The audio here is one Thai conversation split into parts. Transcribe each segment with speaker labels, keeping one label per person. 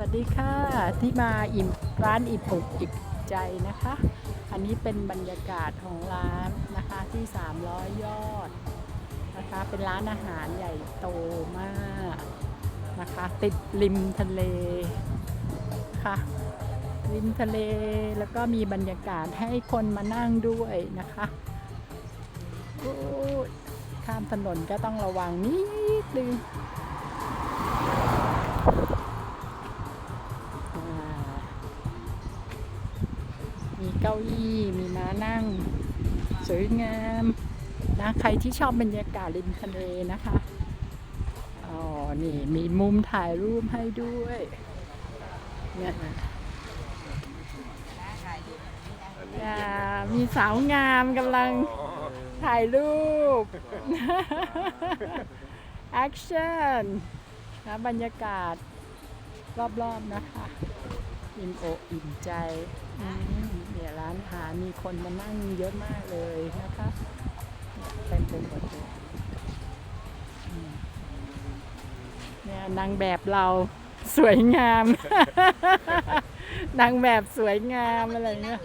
Speaker 1: สดีค่ะที่มาร้านอิ่มอกอิ่มใจนะคะ อันนี้เป็นบรรยากาศของร้านนะคะที่300 ยอดนะคะเป็นร้านอาหารใหญ่โตมากนะคะติดริมทะเลค่ะริมทะเลแล้วก็มีบรรยากาศให้คนมานั่งด้วยนะคะโอ้ยข้ามถนนก็ต้องระวังนิดนึงมีเก้าอี้มีม้านั่งสวยงามนะใครที่ชอบบรรยากาศริมทะเลนะคะอ๋อนี่มีมุมถ่ายรูปให้ด้วยเนี่ยมีสาวงามกำลังถ่ายรูปแอคชั่นนะบรรยากาศรอบๆนะคะอิ่มอกอิ่มใจเนี่ยร้านอาหารมีคนมานั่งเยอะมากเลยนะคะเต็มไปหมดเลยเนี่ยนางแบบเราสวยงาม นางแบบสวยงามอะไรเงี้ย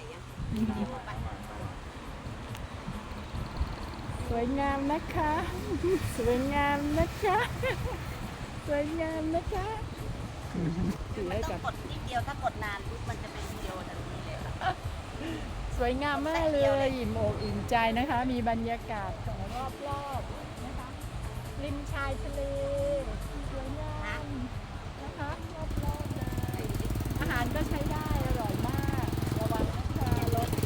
Speaker 1: สวยงามนะคะสวยงามนะคะสวยงามนะคะ
Speaker 2: ไม่ต้องกดนิดเดียวถ้ากดนานปุ๊บมันจะเป็นวิดีโอทันทีเลย
Speaker 1: สวยงามมากเลยอิ่มอกอิ่มใจนะคะมีบรรยากาศของรอบๆนะคะริมชายทะเลสวยงามนะคะรอบๆเลยอาหารก็ใช้ได้อร่อยมากระวังนะคะรถ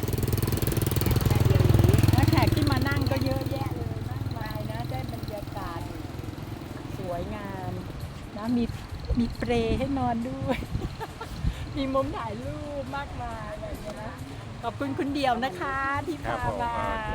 Speaker 1: และแขกที่มานั่งก็เยอะแยะเลยมากมายนะได้บรรยากาศสวยงามนะมีเปรให้นอนด้วย มีมุมถ่ายรูปมากมายอะไรอย่างเงี้ยนะขอบคุณคุณเดี่ยวนะคะที่พามา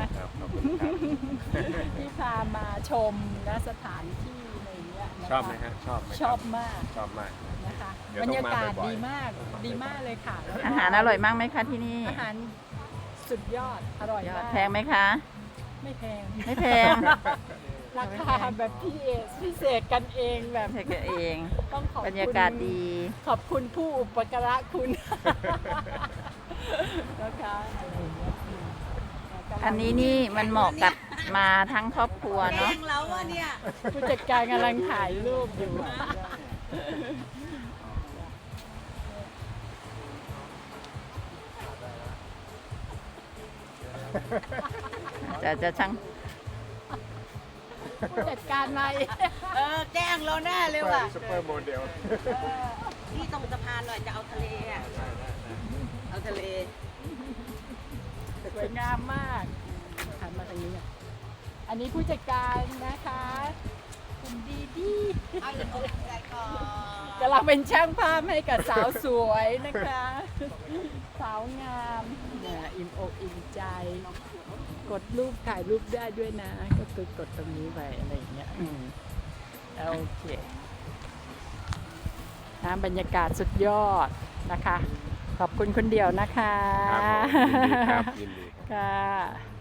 Speaker 1: ที่พามาชมนะสถานที่อะไรเงี้ยชอบไหมฮะชอบมากนะคะบรรยากาศดีมากเลยค่ะ
Speaker 2: อาหารอร่อยมากไหมคะที่นี่
Speaker 1: อาหารสุดยอดอร่อยมาก
Speaker 2: แพงไหมคะ
Speaker 1: ไม่แพงราคาแบบพิเศษกันเองแบบ
Speaker 2: กันเอง
Speaker 1: ต้องขอบบ
Speaker 2: รรยากาศดี
Speaker 1: ขอบคุณผู้อุปการะคุณนะคะ
Speaker 2: อันนี้นี่มันเหมาะกับมาทั้งครอบครัวเนาะ
Speaker 1: ผู้จัดการกำลังถ่ายรูปอยู่
Speaker 2: จะช่าง
Speaker 1: ผู้จัดการมา
Speaker 2: แกล้งเราแน่เลยว่ะ
Speaker 3: ซุปเปอร์โมเดล
Speaker 2: ที่ตรงสะพานหน่อยจะเอาทะเลอ่ะเอาทะเล
Speaker 1: สวยงามมากหันมาทางนี้อันนี้ผู้จัดการนะคะคุณดีกำลังเป็นช่างภาพให้กับสาวสวยนะคะสาวงามอิ่มอกอิ่มใจกดรูปถ่ายรูปได้ด้วยนะก็คือกดตรงนี้ไปอะไรอย่างเงี้ยโอเคนะบรรยากาศสุดยอดนะคะขอบคุณคนเดียวนะคะ
Speaker 3: ครับยินดี
Speaker 1: ค่ะ